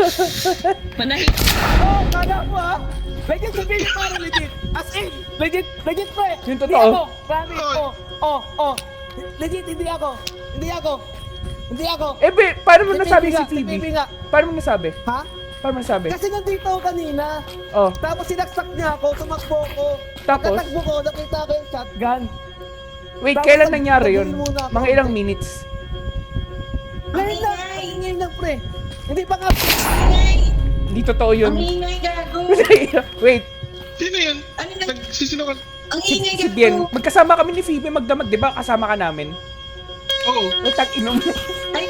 Manahit. Oh, kala mo ha? Legit sabihin niya para legit. As in, legit pre. Yung Hindi totoo. ako. Promise. Oh. Legit, hindi ako. Eh, paano mo Si nasabi Phoebe si nga, si Phoebe? Phoebe nga. Paano mo nasabi? Ha? Paano mo nasabi? Kasi nandito ako kanina. Oh, Tapos sinaksak niya ako, tumakbo ko. Tapos? Pagkatakbo ko, nakita ko yung shotgun. wait, Tapos kailan nangyari yun? nagdil muna ako. Mga ilang minutes? Ngayon lang pre. Hindi pa nga. Hindi totoo yun. Ang ingay gago. Wait, Sino yun? Ano na? Nagsisinukan. Ang si ingay si gago. Bien. Magkasama kami ni Phoebe magdamag, di ba? Kasama ka namin. Oo. Wait, inom. Ay,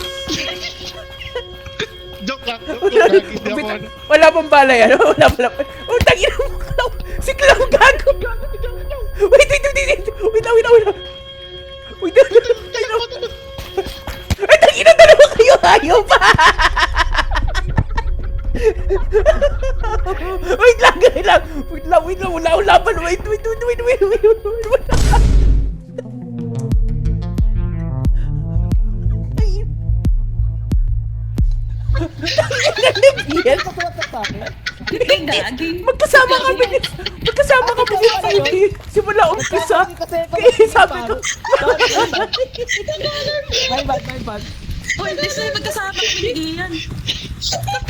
Joke lang. Hindi ako ano. Wala pang bala yan. Wala. Oh, tangina mo. Si Clown gago. Wait. Wait lang. Ay, tangina, dalawa kayo. Ayaw pa. Wait lang. Wala akong laban. Wait. Ay. Bien. Pagkawasak sa akin. ay gagi. Magkasama kami ni Phoebe. Simula umpisa. Kaya sabi ko, My bad. Uy, please na magkasama kami ni Ian.